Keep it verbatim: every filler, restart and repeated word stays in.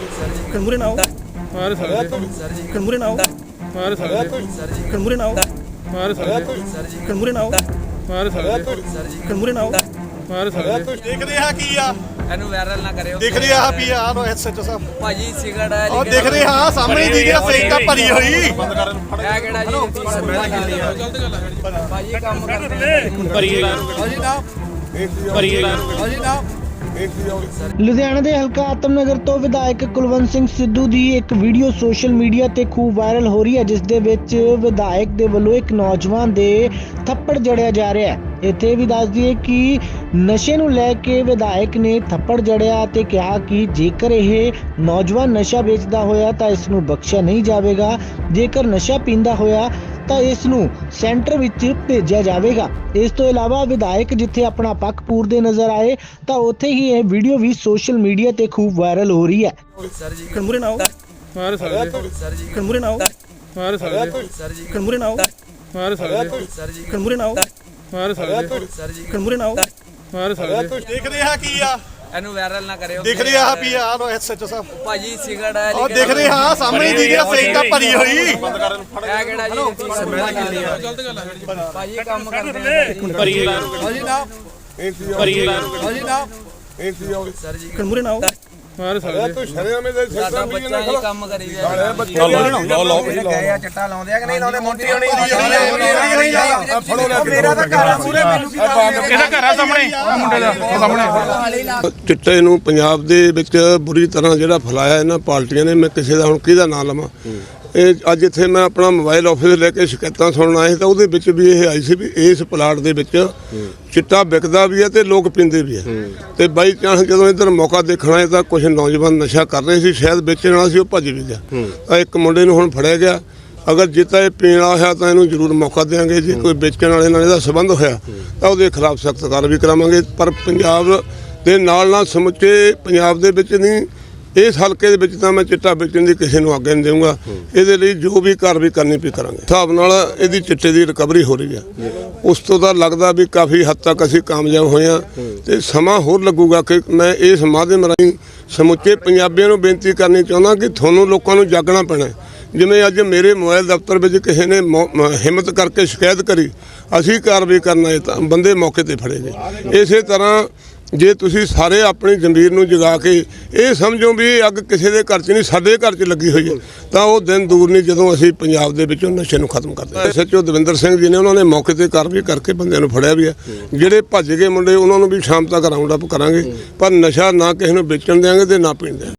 कणमुरे ना आओ मार साले कणमुरे ना आओ मार साले कणमुरे ना आओ मार साले कणमुरे ना आओ मार साले कणमुरे ना आओ मार साले ਦੇਖਦੇ ਆ ਕੀ ਆ ਇਹਨੂੰ ਵਾਇਰਲ ਨਾ ਕਰਿਓ ਦੇਖਦੇ ਆ ਵੀ ਆ ਰੋ ਐਸਐਚਓ ਸਾਹਿਬ ਭਾਜੀ ਸਿਗਰਟ ਹੈ ਉਹ ਦੇਖਦੇ ਆ ਸਾਹਮਣੇ ਦੀ ਗਿਆ ਸੇਕਾ ਭਰੀ ਹੋਈ ਇਹ ਕਿਹੜਾ ਜੀ ਭਾਜੀ ਕੰਮ ਕਰਦੇ ਭਰੀ ਹਾਂਜੀ ਨਾ ਭਰੀ ਹਾਂਜੀ ਨਾ ਲੁਧਿਆਣਾ ਦੇ ਹਲਕਾ ਆਤਮਨਗਰ ਤੋਂ ਵਿਧਾਇਕ ਕੁਲਵੰਤ ਸਿੰਘ ਸਿੱਧੂ ਦੀ ਇੱਕ ਵੀਡੀਓ ਸੋਸ਼ਲ ਮੀਡੀਆ ਤੇ ਖੂਬ ਵਾਇਰਲ ਹੋ ਰਹੀ ਹੈ, ਜਿਸ ਦੇ ਵਿੱਚ ਵਿਧਾਇਕ ਦੇ ਵੱਲੋਂ ਇੱਕ ਨੌਜਵਾਨ ਦੇ ਥੱਪੜ ਜੜਿਆ ਜਾ ਰਿਹਾ ਹੈ। ਇੱਥੇ ਵੀ ਦੱਸ ਦਈਏ ਕਿ ਨਸ਼ੇ ਨੂੰ ਲੈ ਕੇ ਵਿਧਾਇਕ ਨੇ ਥੱਪੜ ਜੜਿਆ ਤੇ ਕਿਹਾ ਕਿ ਜੇਕਰ ਇਹ ਨੌਜਵਾਨ ਨਸ਼ਾ ਵੇਚਦਾ ਹੋਇਆ ਤਾਂ ਇਸ ਨੂੰ ਬਖਸ਼ਿਆ ਨਹੀਂ ਜਾਵੇਗਾ, ਜੇਕਰ ਨਸ਼ਾ ਪੀਂਦਾ ਹੋਇਆ ਤਾਂ ਇਸ ਨੂੰ ਸੈਂਟਰ ਵਿੱਚ ਭੇਜਿਆ ਜਾਵੇਗਾ। ਇਸ ਤੋਂ ਇਲਾਵਾ ਵਿਧਾਇਕ ਜਿੱਥੇ ਆਪਣਾ ਪੱਖ ਪੂਰਦੇ ਨਜ਼ਰ ਆਏ ਤਾਂ ਉੱਥੇ ਹੀ ਇਹ ਵੀਡੀਓ ਵੀ ਸੋਸ਼ਲ ਮੀਡੀਆ ਤੇ ਖੂਬ ਵਾਇਰਲ ਹੋ ਰਹੀ ਹੈ। कणमुरे ना आओ मार साले कणमुरे ना आओ मार साले कणमुरे ना आओ मार साले कणमुरे ना आओ मार साले कणमुरे ना आओ मार साले ਦੇਖਦੇ ਆ ਕੀ ਆ ਇਹਨੂੰ ਵਾਇਰਲ ਨਾ ਕਰਿਓ ਦੇਖਦੇ ਆ ਵੀ ਆ ਰੋ ਐਸਐਚਓ ਸਾਹਿਬ ਭਾਜੀ ਸਿਗਰਟ ਹੈ ਉਹ ਦੇਖਦੇ ਆ ਸਾਹਮਣੇ ਦੀ ਗਿਆ ਸੇਕਾ ਭਰੀ ਹੋਈ ਇਹ ਕਿਹੜਾ ਜੀ ਭਾਜੀ ਕੰਮ ਕਰਦੇ ਭਰੀ ਹਾਂਜੀ ਨਾ ਭਰੀ ਹਾਂਜੀ ਨਾ कणमुरे ना आओ मार साले ਸਾਡਾ ਬੱਚਾ ਇਹ ਕੰਮ ਕਰੀ ਜਾਂਦਾ ਗਏ ਆ ਚਿੱਟਾ ਲਾਉਂਦੇ ਆ ਕਿ ਨਹੀਂ ਲਾਉਂਦੇ ਮੋਟੀ ਹੋਣੀ ਮੇਰਾ ਤਾਂ ਘਰ ਆ ਪੂਰੇ ਮੈਨੂੰ ਕੀ ਕਿਹਦਾ ਘਰ ਆ ਸਾਹਮਣੇ ਮੁੰਡੇ ਦਾ ਸਾਹਮਣੇ ਚਿੱਟੇ ਨੂੰ ਪੰਜਾਬ ਦੇ ਵਿੱਚ ਬੁਰੀ ਤਰ੍ਹਾਂ ਜਿਹੜਾ ਫੈਲਾਇਆ ਇਹਨਾਂ ਪਾਰਟੀਆਂ ਨੇ, ਮੈਂ ਕਿਸੇ ਦਾ ਹੁਣ ਕਿਹਦਾ ਨਾਂ ਲਵਾਂ। ਇਹ ਅੱਜ ਇੱਥੇ ਮੈਂ ਆਪਣਾ ਮੋਬਾਈਲ ਆਫਿਸ ਲੈ ਕੇ ਸ਼ਿਕਾਇਤਾਂ ਸੁਣਨ ਆਏ ਤਾਂ ਉਹਦੇ ਵਿੱਚ ਵੀ ਇਹ ਆਈ ਸੀ ਵੀ ਇਸ ਪਲਾਟ ਦੇ ਵਿੱਚ ਚਿੱਟਾ ਵਿਕਦਾ ਵੀ ਹੈ ਤੇ ਲੋਕ ਪੀਂਦੇ ਵੀ ਹੈ। ਤੇ ਬਾਈ ਚਾਂਸ ਜਦੋਂ ਇੱਧਰ ਮੌਕਾ ਦੇਖਣਾ ਹੈ ਤਾਂ ਕੁਝ ਨੌਜਵਾਨ ਨਸ਼ਾ ਕਰ ਰਹੇ ਸੀ, ਸ਼ਾਇਦ ਵੇਚਣ ਵਾਲਾ ਸੀ, ਉਹ ਭੱਜ ਵੀ ਗਿਆ। ਤਾਂ ਇੱਕ ਮੁੰਡੇ ਨੂੰ ਹੁਣ ਫੜਿਆ ਗਿਆ। ਅਗਰ ਜਿੱਤਾ ਇਹ ਪੀਣ ਵਾਲਾ ਹੋਇਆ ਤਾਂ ਇਹਨੂੰ ਜ਼ਰੂਰ ਮੌਕਾ ਦੇਵਾਂਗੇ। ਜੇ ਕੋਈ ਵੇਚਣ ਵਾਲੇ ਨਾਲ ਇਹਦਾ ਸੰਬੰਧ ਹੋਇਆ ਤਾਂ ਉਹਦੇ ਖਿਲਾਫ ਸਖਤ ਕਾਰਵਾਈ ਕਰਾਵਾਂਗੇ। ਪਰ ਪੰਜਾਬ ਦੇ ਨਾਲ ਨਾਲ ਸਮੁੱਚੇ ਪੰਜਾਬ ਦੇ ਵਿੱਚ ਨਹੀਂ, ਇਸ ਹਲਕੇ ਦੇ ਵਿੱਚ ਤਾਂ ਮੈਂ ਚਿੱਟਾ ਵੇਚਣ ਦੀ ਕਿਸੇ ਨੂੰ ਆਗਿਆ ਨਹੀਂ ਦੇਵਾਂਗਾ। ਇਹਦੇ ਲਈ ਜੋ ਵੀ ਕਾਰਵਾਈ ਕਰਨੀ ਪਈ ਕਰਾਂਗੇ। ਹਿਸਾਬ ਨਾਲ ਇਹਦੀ ਚਿੱਟੇ ਦੀ ਰਿਕਵਰੀ ਹੋ ਰਹੀ ਹੈ। ਉਸ ਤੋਂ ਤਾਂ ਲੱਗਦਾ ਵੀ ਕਾਫੀ ਹੱਦ ਤੱਕ ਅਸੀਂ ਕਾਮਯਾਬ ਹੋਏ ਹਾਂ ਤੇ ਸਮਾਂ ਹੋਰ ਲੱਗੂਗਾ। ਕਿ ਮੈਂ ਇਸ ਮਾਧਿਅਮ ਰਾਹੀਂ ਸਮੁੱਚੇ ਪੰਜਾਬੀਆਂ ਨੂੰ ਬੇਨਤੀ ਕਰਨੀ ਚਾਹੁੰਦਾ ਕਿ ਤੁਹਾਨੂੰ ਲੋਕਾਂ ਨੂੰ ਜਾਗਣਾ ਪੈਣਾ। ਜਿਵੇਂ ਅੱਜ ਮੇਰੇ ਮੋਬਾਈਲ ਦਫ਼ਤਰ ਵਿੱਚ ਕਿਸੇ ਨੇ ਹਿੰਮਤ ਕਰਕੇ ਸ਼ਿਕਾਇਤ ਕਰੀ, ਅਸੀਂ ਕਾਰਵਾਈ ਕਰਨਾ ਹੈ ਤਾਂ ਬੰਦੇ ਮੌਕੇ ਤੇ ਫੜੇ ਗਏ। ਇਸੇ ਤਰ੍ਹਾਂ ਜੇ ਤੁਸੀਂ ਸਾਰੇ ਆਪਣੀ ਜ਼ਮੀਰ ਨੂੰ ਜਗਾ ਕੇ ਇਹ ਸਮਝੋ ਵੀ ਇਹ ਅੱਗ ਕਿਸੇ ਦੇ ਘਰ 'ਚ ਨਹੀਂ, ਸਾਡੇ ਘਰ 'ਚ ਲੱਗੀ ਹੋਈ ਹੈ, ਤਾਂ ਉਹ ਦਿਨ ਦੂਰ ਨਹੀਂ ਜਦੋਂ ਅਸੀਂ ਪੰਜਾਬ ਦੇ ਵਿੱਚੋਂ ਨਸ਼ੇ ਨੂੰ ਖਤਮ ਕਰਦੇ ਹਾਂ। ਐਸਐਚਓ ਦਵਿੰਦਰ ਸਿੰਘ ਜੀ ਨੇ ਉਹਨਾਂ ਨੇ ਮੌਕੇ ਤੇ ਕਾਰਵਾਈ ਕਰਕੇ ਬੰਦਿਆਂ ਨੂੰ ਫੜਿਆ ਵੀ ਹੈ। ਜਿਹੜੇ ਭੱਜ ਗਏ ਮੁੰਡੇ ਉਹਨਾਂ ਨੂੰ ਵੀ ਸ਼ਾਮ ਤੱਕ ਰਾਉਂਡ ਅਪ ਕਰਾਂਗੇ, ਪਰ ਨਸ਼ਾ ਨਾ ਕਿਸੇ ਨੂੰ ਵੇਚਣ ਦਿਆਂਗੇ ਤੇ ਨਾ ਪੀਣ ਦਿਆਂਗੇ।